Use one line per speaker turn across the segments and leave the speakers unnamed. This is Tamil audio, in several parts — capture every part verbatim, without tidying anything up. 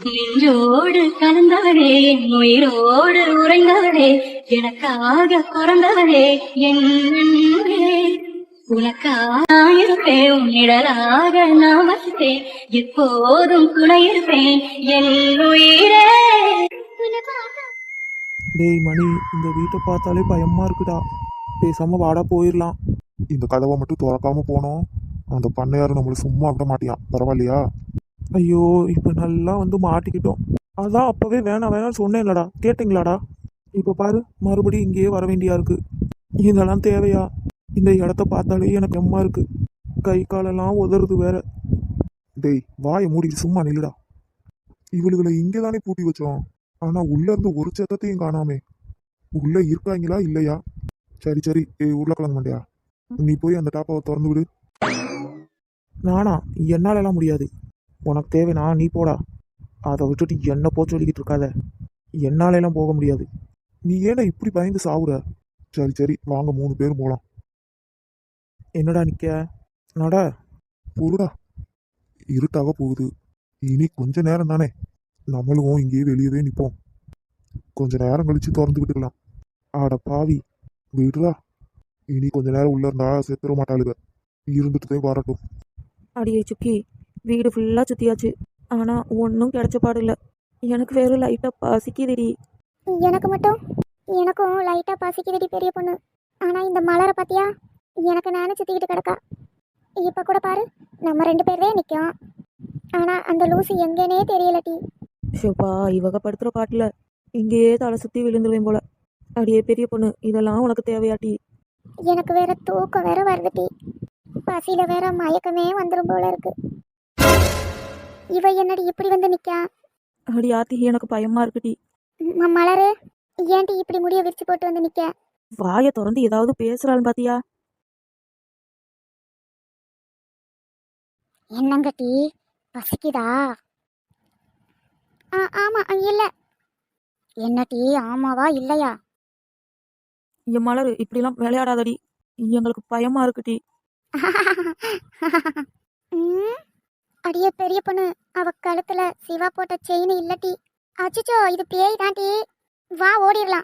நின்றோடு கலந்தவளே என் உயிரோடு உறைந்தவளே எனக்காக பிறந்தவளே என் அன்பே. உனக்காக இருப்பேன் உன்னிடலாக நான் வசித்தேன் எப்போதும் துணை இருப்பேன் என் உயிரே.
டேய் மணி, இந்த வீட்டை பார்த்தாலே பயமா இருக்குடா. பேசாம வாடா போயிடலாம்.
இந்த கதவை மட்டும் திறக்காம போனோம், அந்த பண்ணையாரு நம்மள சும்மா விட மாட்டியான். பரவாயில்லையா?
ஐயோ, இப்போ நல்லா வந்து மாட்டிக்கிட்டோம். அதான் அப்பவே வேணாம் வேணாம்னு சொன்னேன்லடா, கேட்டிங்களாடா? இப்போ பாரு, மறுபடியும் இங்கேயே வர வேண்டியா இருக்கு. இதெல்லாம் தேவையா? இந்த இடத்த பார்த்தாலே எனக்கு எம்மா இருக்கு. கை காலெல்லாம் உதறது வேற.
டேய் வாயை மூடிட்டு சும்மா நில்லுடா. இவளுகளை இங்கதானே பூட்டி வச்சோம், ஆனா உள்ள இருந்து ஒரு சத்தத்தையும் காணாமே. உள்ள இருக்காங்களா இல்லையா? சரி சரி, ஏய் உருளைக்கிழங்கு மண்டையா, நீ போய் அந்த டாப்பாவை திறந்து விடு.
நானா? என்னாலலாம் முடியாது. உனக்கு தேவைனா நீ போடா. அதை விட்டுட்டு என்ன போ சொல்லிக்கிட்டு இருக்காத. என்னாலெல்லாம் போக முடியாது.
நீ ஏன்டா இப்படி பயந்து சாவுற? சரி சரி வாங்க, மூணு பேரும் போலாம்.
என்னடா நிக்க? நட.
பொருடா, இருட்டாக போகுது. இனி கொஞ்ச நேரம் தானே, நம்மளும் இங்கேயே வெளியவே நிப்போம். கொஞ்ச நேரம் கழிச்சு திறந்து விட்டுக்கலாம். ஆட பாவி, விடுறா. இனி கொஞ்ச நேரம் உள்ள இருந்தா செத்துற மாட்டாளுக. இருந்துட்டுதே வரட்டும்.
அடியே சுக்கி, வீடு ஃபுல்லாக சுற்றியாச்சு. ஆனால் ஒன்றும் கிடைச்ச பாடு இல்லை. எனக்கு வெறும் லைட்டாக பசிக்குதுடி.
எனக்கு மட்டும் எனக்கும் லைட்டாக பசிக்குதுடி பெரிய பொண்ணு. ஆனால் இந்த மலரை பார்த்தியா, எனக்கு நானே சுற்றிக்கிட்டு கிடக்கா. இப்போ கூட பாரு, நம்ம ரெண்டு பேரே நிற்கும். ஆனால் அந்த லூசி எங்கேனே தெரியலட்டி.
ஷோப்பா, இவக படுத்துகிற பாட்டில் இங்கேயே தலை சுற்றி விழுந்துருவேன் போல. அடியே பெரிய பொண்ணு, இதெல்லாம் உனக்கு தேவையாட்டி?
எனக்கு வேற தூக்கம் வேற வருதுட்டி. பசியில வேற மயக்கமே வந்துடும் போல இருக்கு. இவ என்னடி இப்படி வந்து நிக்கா?
அடி ஆத்தி, எனக்கு பயமா இருக்குடி.
ம- மலரு, ஏன்டி இப்படி முடிய விரிச்சு போட்டு வந்து நிக்க?
வாயை திறந்து ஏதாவது பேசுறாள் பாத்தியா?
என்னங்கட்டி, பசிக்குதா? ஆ ஆமா இல்ல. என்னட்டி, ஆமாவா இல்லையா?
என் மலரு, இப்படிலாம் விளையாடாதடி. எங்களுக்கு பயமா இருக்குடி.
ம், அடியே பெரிய பொண்ணு, அவ கழுத்துல சிவா போட்ட செயின் இல்லட்டி. அச்சச்சோ, இது பேய் தாண்டி. வா ஓடிடலாம்.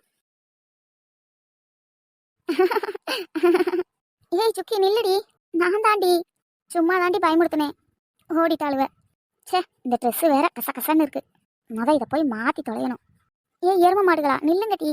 ஏய் சுக்கி நில்லுடி, நான் தாண்டி சும்மா தாண்டி பயமுறுத்தினேன். ஓடிட்டாளுவ. ச்சே, இந்த ட்ரெஸ் வேற கச கசன்னு இருக்கு. முத இதை போய் மாத்தி தொலையணும். ஏ எரும மாடுகளா, நில்லுங்கட்டி.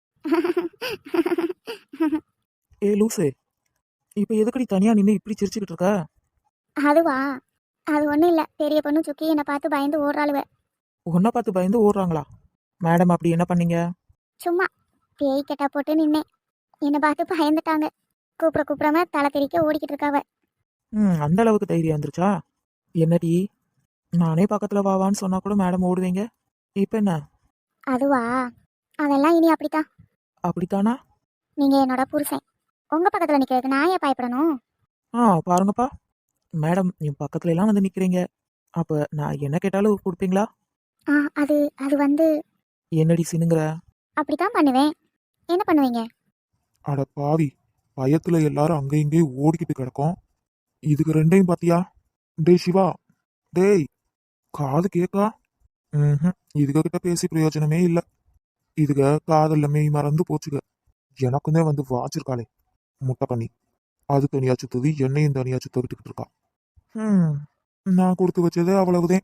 ஏ லூசே, இப்போ எதுக்கடி தனியா நின்று இப்படி சிரிச்சுக்கிட்டு இருக்க?
அதுவா, அது ஒன்றும் இல்லை. பெரிய பொண்ணு சுக்கி என்னை பார்த்து பயந்து ஓடுறாளுவ.
உன்னை பார்த்து பயந்து ஓடுறாங்களா? மேடம் அப்படி என்ன பண்ணீங்க?
சும்மா பேய் கெட்டா போட்டு நின்னேன். என்னை பார்த்து பயந்துட்டாங்க. கூப்பிட கூப்பிடாம தலை தெறிக்க ஓடிக்கிட்டு இருக்காவ.
ம், அந்த அளவுக்கு தைரியம் வந்துருச்சா? என்னடி, நானே பக்கத்துல வாவான்னு சொன்னா கூட மேடம் ஓடுவீங்க. இப்போ என்ன?
அதுவா, அதெல்லாம் இனி அப்படித்தான்.
அப்படித்தானா?
நீங்க என்னோட புருஷன். உங்க பக்கத்துல நிக்கிறதுக்கு நான் ஏன் பயப்படணும்?
ஆ பாருங்கப்பா, மேடம் என் பக்கத்துல எல்லாம் வந்து நிக்கிறீங்க. அப்ப நான் என்ன கேட்டாலும் கொடுப்பீங்களா?
ஆ அது அது வந்து
என்னடி சினுங்கிற?
அப்படித்தான் பண்ணுவேன். என்ன பண்ணுவீங்க?
அட பாவி, பயத்துல எல்லாரும் அங்க இங்கேயும் ஓடிக்கிட்டு கிடக்கும். இதுக்கு ரெண்டையும் பாத்தியா? டேய் சிவா, டேய், காது கேக்கா? ம், இதுக கிட்ட பேசி பிரயோஜனமே இல்ல. இதுக காதல்ல மெய் மறந்து போச்சுக. எனக்குமே வந்து வாச்சிருக்காளே முட்டை பண்ணி, அது தனியா சுத்துது, என்னையும் தனியா சுத்த விட்டுக்கிட்டு இருக்கா. ம், நான் கொடுத்து வச்சது அவ்வளவுதான்.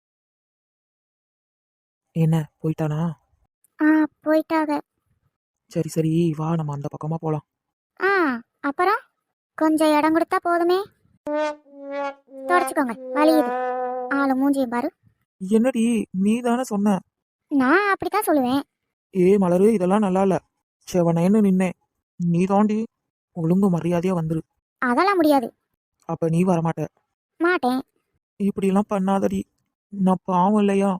என்ன போயிட்டானா?
ஆ போயிட்டாக.
சரி சரி, வா நம்ம அந்த பக்கமா போலாம்.
ஆ அப்புறம் கொஞ்சம் இடம் கொடுத்தா போதுமே. தொடச்சுக்கோங்க, வலியுது. ஆளு மூஞ்சியும் பாரு.
என்னடி, நீ தானே சொன்ன?
நான் அப்படித்தான் சொல்லுவேன்.
ஏ மலரு, இதெல்லாம் நல்லா இல்ல. செவனேன்னு நின்னேன். நீ தாண்டி ஒழுங்கு மரியாதையா வந்துரு.
அதெல்லாம் முடியாது.
அப்ப நீ வரமாட்ட.
மாட்டேன்.
இப்படிலாம் பண்ணாதடி, நான் பாவம் இல்லையா?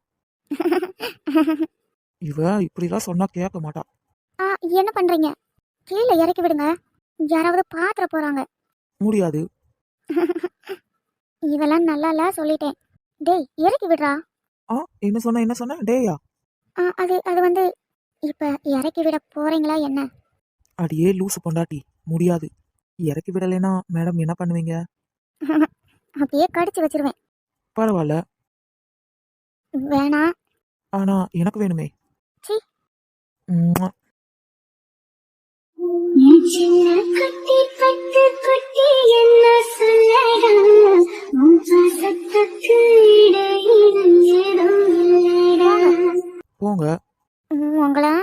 இவ இப்படிலாம் சொன்னா கேட்க மாட்டா.
ஆ என்ன பண்றீங்க? கீழே இறக்கி விடுங்க, யாராவது பாத்திர போறாங்க.
முடியாது.
இதெல்லாம் நல்லா இல்ல சொல்லிட்டேன். டேய் இறக்கி விடுறா.
ஆ என்ன சொன்ன என்ன சொன்ன டேயா?
ஆ அது அது வந்து இப்ப இறக்கி விட போறீங்களா என்ன?
அடியே லூசு பொண்டாட்டி, முடியாது. இறக்கி விடலைன்னா மேடம் என்ன பண்ணுவீங்க?
அப்படியே கடிச்சு வச்சிருவேன்.
பரவாயில்ல,
வேணாம்.
ஆனா எனக்கு வேணுமே.
சீ.
ம்ம்.
சின்ன குட்டி பட்டு குட்டி என்ன சொல்லடா உன் பாசத்துக்கு இடையில ஏதோ இல்லடா.
போங்க.
ம், உங்களா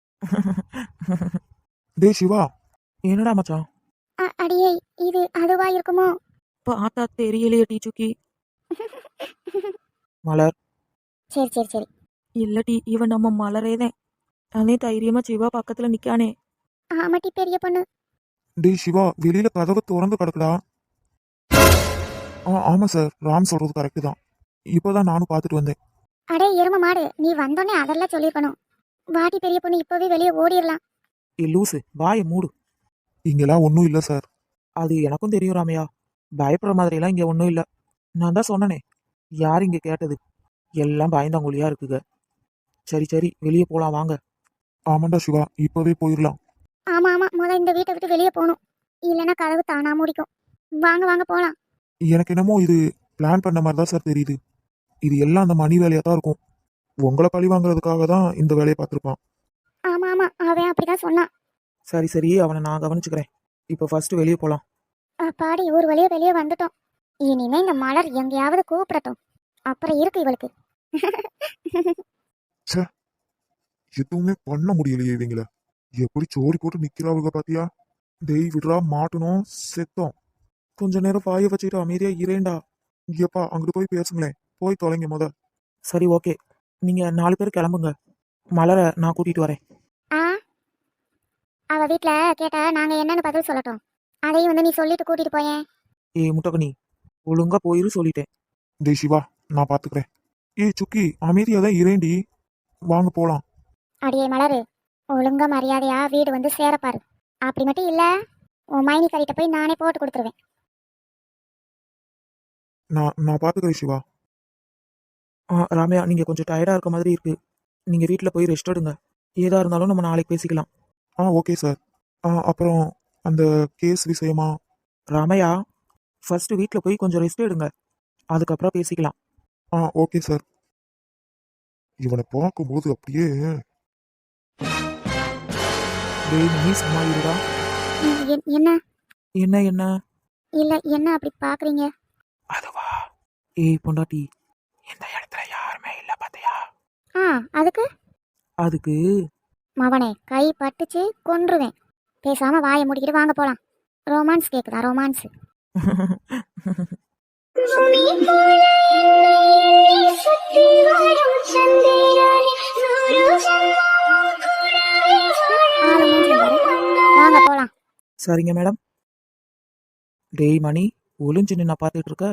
டேய் சிவா,
என்னடா மச்சான்?
அ- அடியே இது அதுவா இருக்குமோ?
பார்த்தா தெரியலையே டீ சுக்கி.
மலர்.
சரி சரி சரி.
இல்ல டீ, இவன் நம்ம மலரேதான். அதே தைரியமா சிவா பக்கத்துல நிக்கானே.
ஆமாட்டி பெரிய பொண்ணு.
டேய் சிவா, வெளியில கதவு திறந்து கிடக்குடா. ஆ ஆமா சார், ராம் சொல்றது கரெக்டு தான். இப்போதான் நானும் பார்த்துட்டு வந்தேன்.
அடே எரும மாடு, நீ வந்தோடனே அதெல்லாம் சொல்லியிருக்கணும். வாட்டி பெரிய பொண்ணு, இப்பவே வெளியே ஓடிடலாம்.
ஏ லூசு, வாயை மூடு.
இங்கெல்லாம் ஒன்றும் இல்லை சார்.
அது எனக்கும் தெரியும் ராமையா. பயப்படுற மாதிரிலாம் இங்க ஒன்றும் இல்லை. நான் தான் சொன்னனே, யார் இங்க கேட்டது? எல்லாம் பயந்தாங்குழியா இருக்குங்க. சரி சரி, வெளியே போலாம் வாங்க.
ஆமாண்டா சிவா, இப்போவே போயிடலாம்.
ஆமா ஆமா, முத இந்த வீட்டை விட்டு வெளியே போகணும். இல்லைன்னா கதவு தானா மூடிக்கும். வாங்க வாங்க போலாம்.
எனக்கு என்னமோ இது பிளான் பண்ண மாதிரி தான் சார் தெரியுது. இது எல்லாம் அந்த மணி வேலையாக தான் இருக்கும். உங்களை பழி வாங்குறதுக்காக தான் இந்த வேலையை பார்த்துருப்பான்.
ஆமா ஆமா, அவன் அப்படிதான் சொன்னான்.
சரி சரி, அவனை நான் கவனிச்சுக்கிறேன். இப்போ ஃபர்ஸ்ட் வெளியே போலாம்.
அப்பாடி, ஒரு வழியா வெளியே வந்துட்டோம். இனிமே இந்த மலர் எங்கேயாவது கூப்பிடட்டும், அப்புறம் இருக்கு இவளுக்கு.
எதுவுமே பண்ண முடியலையே இவங்கள. எப்படி சோடி போட்டு நிக்கிறாவுங்க பாத்தியா? டேய் விடுறா, மாட்டணும் செத்தோம்.
கொஞ்ச நேரம் வாயை வச்சுட்டு அமைதியா இரேண்டா.
எப்பா அங்கிட்டு போய் பேசுங்களேன். போய் தொலைங்க முத.
சரி ஓகே, நீங்க நாலு பேர் கிளம்புங்க. மலரை நான் கூட்டிட்டு வரேன்.
ஆ, அவ வீட்ல கேட்டா நாங்க என்னன்னு பதில் சொல்லட்டும். அதையும் வந்து நீ சொல்லிட்டு கூட்டிட்டு போயேன்.
ஏ முட்டகனி, ஒழுங்கா போயிரு சொல்லிட்டேன்.
டேய் சிவா, நான் பாத்துக்கிறேன். ஏய் சுக்கி, அமைதியா தான் இரேண்டி. வாங்க போலாம்.
அடியே மலரு, ஒழுங்கா மரியாதையா வீடு வந்து சேரப்பாரு. அப்படி மட்டும் இல்ல, உன் மைனி கறிட்ட போய் நானே போட்டு கொடுத்துருவேன்.
நான் நான் பாத்துக்கிறேன் சிவா.
ஆ ராமையா, நீங்க கொஞ்சம் டயர்டா இருக்க மாதிரி இருக்கு. நீங்க வீட்டில் போய் ரெஸ்ட் எடுங்க. ஏதா இருந்தாலும் நம்ம நாளைக்கு பேசிக்கலாம்.
ஆ ஓகே சார். ஆ அப்புறம் அந்த கேஸ் விஷயமா?
ராமையா, ஃபர்ஸ்ட் வீட்டில் போய் கொஞ்சம் ரெஸ்ட் எடுங்க, அதுக்கப்புறம் பேசிக்கலாம்.
ஆ ஓகே சார். இவனை பார்க்கும்போது அப்படியே
டேய் நீ சும்மா இருடா.
எ- எ- என்ன
என்ன என்ன?
இல்ல, என்ன அப்படி பாக்குறீங்க?
அதுவா? ஏய் பொண்டாட்டி, இந்த இடத்துல யாருமே இல்ல பாத்தியா?
ஆ, அதுக்கு
அதுக்கு
மவனே கை பட்டுச்சு கொன்றுவேன். பேசாம வாயை மூடிக்கிட்டு வாங்க போலாம். ரொமான்ஸ் கேக்குதா? ரொமான்ஸ்.
பூமி போல என்னை சுத்தி வரும் சந்திரனே, நூறு ஜென்மமும் கூடவே
ஆளு மூஞ்சி பாரு. வாங்க போலாம்.
சரிங்க மேடம். டேய் மணி, ஒளிஞ்சு நின்று பார்த்துட்டு இருக்க.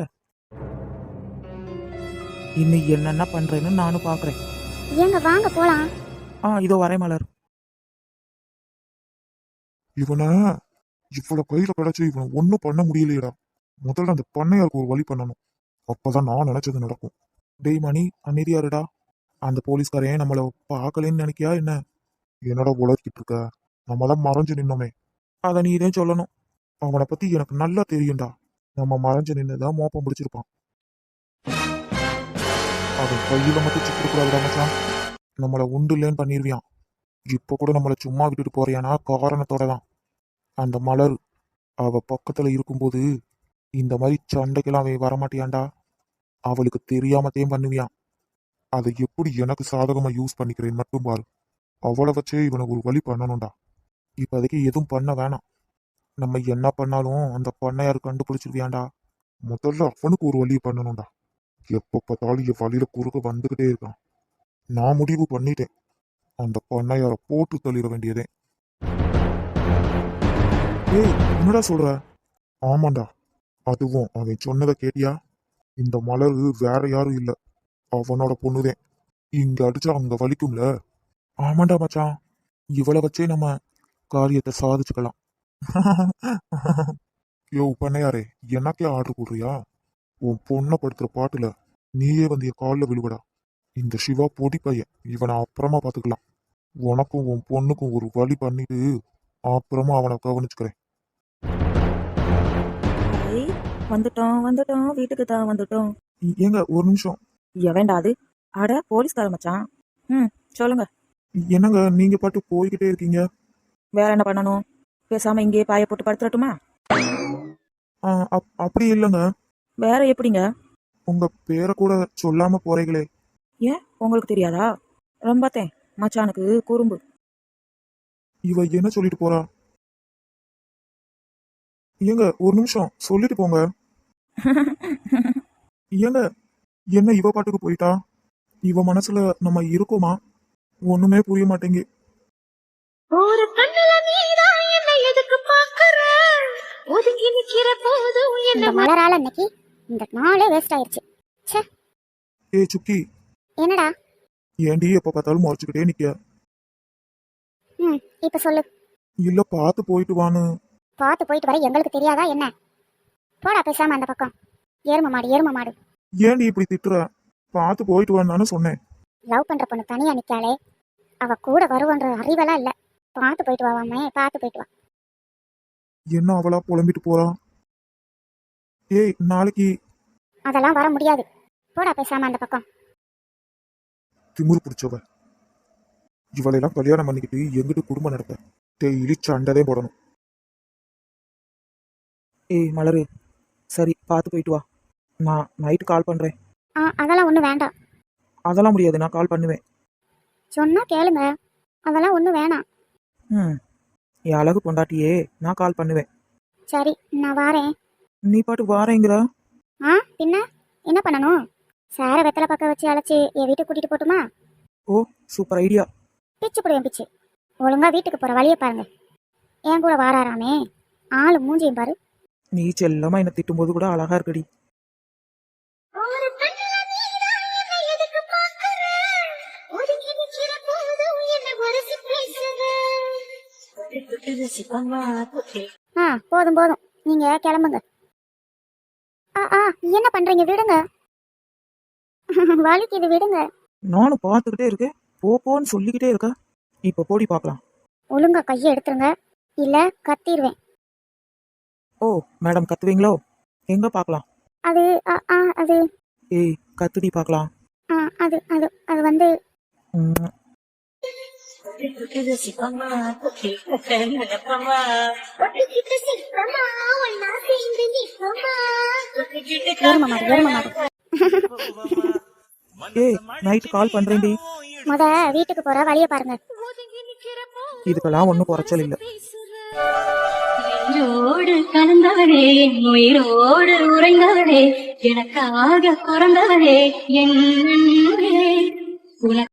இன்னைக்கு என்னென்ன பண்றேன்னு நானும் பார்க்குறேன்.
ஏங்க வாங்க போலாம்.
ஆ இதோ வரேன் மலர்.
இவனை இவ்வளவு கையில கிடைச்சு இவனை ஒன்றும் பண்ண முடியலையடா. முதல்ல அந்த பண்ணையாருக்கு ஒரு வழி பண்ணணும். அப்பதான் நான் நினைச்சது நடக்கும்.
டேய் மணி, அமைதியா இருடா. அந்த போலீஸ்காரன் நம்மளை பார்க்கலன்னு நினைக்கியா என்ன?
என்னடா உளறிக்கிட்டு இருக்க? நம்ம தான் மறைஞ்சு நின்னோமே.
அதை நீ இதே சொல்லணும்.
அவனை பத்தி எனக்கு நல்லா தெரியும்டா. நம்ம மறைஞ்சு நின்னுதான் மோப்பம் பிடிச்சிருப்பான். அவன் கையில மட்டும் சிக்கிடக்கூடாதுடா மச்சான். நம்மளை உண்டு இல்லைன்னு பண்ணிருவியான். இப்ப கூட நம்மளை சும்மா விட்டுட்டு போறியானா காரணத்தோட தான். அந்த மலர் அவ பக்கத்துல இருக்கும்போது இந்த மாதிரி சண்டைக்கெல்லாம் அவன் வரமாட்டியான்டா. அவளுக்கு தெரியாமத்தையும் பண்ணுவியான். அதை எப்படி எனக்கு சாதகமா யூஸ் பண்ணிக்கிறேன் மட்டும் பாரு. அவளை வச்சே இவனை ஒரு வழி பண்ணணும்டா. இப்போதைக்கு எதுவும் பண்ண வேணாம். நம்ம என்ன பண்ணாலும் அந்த பண்ணையார் கண்டுபிடிச்சிருவியாண்டா. முதல்ல அவனுக்கு ஒரு வழி பண்ணணும்டா. எப்ப பார்த்தாலும் என் வழியில குறுக்க வந்துகிட்டே இருக்கான். நான் முடிவு பண்ணிட்டேன். அந்த பண்ணையார போட்டு தள்ளிட வேண்டியதே. ஏய் என்னடா சொல்ற? ஆமாண்டா, அதுவும் அவன் சொன்னதை கேட்டியா? இந்த மலர் வேற யாரும் இல்ல, அவனோட பொண்ணுதேன். இங்க அடிச்சா அங்க வலிக்கும்ல.
ஆமாண்டா மச்சான், இவளை வச்சே நம்ம காரியத்தை சாதிச்சுக்கலாம்.
யோ பண்ணையாரே, எனக்கே ஆர்டர் போடுறியா? உன் பொண்ணை படுத்துற பாட்டுல நீயே வந்து என் காலில் விழுவடா. இந்த சிவா பொடி பையன், இவனை அப்புறமா பாத்துக்கலாம். உனக்கும் உன் பொண்ணுக்கும் ஒரு வழி பண்ணிட்டு அப்புறமா அவனை கவனிச்சுக்கிறேன்.
ஐய், வந்துட்டோம் வந்துட்டோம், வீட்டுக்கு தான் வந்துட்டோம்.
ஏங்க ஒரு நிமிஷம்.
எவன்டா அது? அட போலீஸ்கார மச்சான். ம் சொல்லுங்க.
என்னங்க நீங்க பாட்டு போய்கிட்டே இருக்கீங்க.
வேற என்ன பண்ணணும்? பேசாம இங்கேயே பாய போட்டு படுத்துறட்டுமா?
ஆ, அப்- அப்படி இல்லைங்க.
வேற எப்படிங்க?
உங்க பேரை கூட சொல்லாம போறீங்களே.
ஏன் உங்களுக்கு தெரியாதா? ரொம்பத்தேன் மச்சானுக்கு குறும்பு.
இவ என்ன சொல்லிட்டு போறா? ஏங்க ஒரு நிமிஷம் சொல்லிட்டு போங்க. ஏங்க என்ன இவ பாட்டுக்கு போயிட்டா? இவ மனசுல நம்ம இருக்கோமா? ஒண்ணுமே புரிய மாட்டேங்கு.
ஒரு கண்ணுல நீதான் என்ன எதுக்கு பாக்குற ஒதுங்கி நிக்கிற போதும்
இந்த
என்ன
மலரால இன்னைக்கு இந்த நாளே வேஸ்ட் ஆயிருச்சு. ச்சே.
ஏ சுக்கி,
என்னடா?
ஏண்டி எப்ப பார்த்தாலும் முறைச்சுக்கிட்டே நிக்க?
ம் இப்ப சொல்லு.
இல்ல பார்த்து போயிட்டு வான்னு.
பார்த்து போயிட்டு வர எங்களுக்கு தெரியாதா என்ன? போடா பேசாம அந்த பக்கம். எரும மாடு எரும மாடு.
ஏண்டி இப்படி திட்டுற? பார்த்து போயிட்டு வான்னு சொன்னேன்.
லவ் பண்ற பொண்ணு தனியா நிக்காளே, அவ கூட வருவன்ற அறிவெல்லாம் இல்ல. பார்த்து போயிட்டு வாவாமே, பார்த்து போயிட்டு வா.
என்ன அவளா புலம்பிட்டு போறா? ஏய் நாளைக்கு.
அதெல்லாம் வர முடியாது. போடா பேசாம அந்த பக்கம்.
திமிரு பிடிச்சவ இவளையெல்லாம் கல்யாணம் பண்ணிக்கிட்டு எங்கிட்டு குடும்பம் நடத்த டெய்லி சண்டதே போடணும்.
ஏய் மலரு, சரி பார்த்து போயிட்டு வா. நான் நைட்டு கால் பண்ணுறேன்.
ஆ அதெல்லாம் ஒன்றும் வேண்டாம்.
அதெல்லாம் முடியாது, நான் கால் பண்ணுவேன்.
சொன்னா கேளுங்க. அதெல்லாம் ஒன்றும் வேணாம்.
ம் என் அழகு பொண்டாட்டியே, நான் கால் பண்ணுவேன்.
சரி நான் வாரேன்.
நீ பாட்டு வாரேங்கிற.
ஆ பின்ன என்ன பண்ணணும்? சாரை வெத்தலை பக்கம் வச்சு அழைச்சி என் வீட்டுக்கு கூட்டிட்டு போட்டுமா?
ஓ சூப்பர் ஐடியா.
பிச்சு போடுவேன் பிச்சு. ஒழுங்கா வீட்டுக்கு போற வழியை பாருங்க. என் கூட வாராராமே, ஆளு மூஞ்சியும் பாரு.
நீ செல்லமா என்னை திட்டும்போது கூட அழகா இருக்கடி.
ஒரு கண்ணுல நீதான் என்ன எதுக்கு பாக்குற ஒதுங்கி நிக்கிற போதும் என்ன வரசி பேசுற
ஆ போதும் போதும், நீங்க கிளம்புங்க. ஆ ஆ என்ன பண்றீங்க? விடுங்க. வலிக்குது, விடுங்க.
நானும் பார்த்துக்கிட்டே இருக்கேன், போ போன்னு சொல்லிக்கிட்டே இருக்க. இப்போ போடி பார்க்கலாம்.
ஒழுங்கா கையை எடுத்துருங்க, இல்ல கத்திடுவேன்.
ஓ மேடம் கத்துவீங்களோ? எங்க பார்க்கலாம்?
அது ஆ ஆ அது
ஏய் கத்துடி பார்க்கலாம்.
ஆ அது அது அது வந்து
ம்,
ஒட்டுக்கிட்ட சிற்பமா ஒன்னா சேர்ந்து நிற்பமா
எரும மாடு எரும மாடு.
ஏய் நைட்டு கால் பண்றேன்டி.
முத வீட்டுக்கு போற வழியை பாருங்க.
ஒதுங்கி நிக்கிற போதும்
இதுக்கெல்லாம் ஒன்றும் குறைச்சல் இல்லை.
நெஞ்சோடு கலந்தவளே என் உயிரோடு உறைந்தவளே எனக்காக பிறந்தவளே என் அன்பே. உனக்கு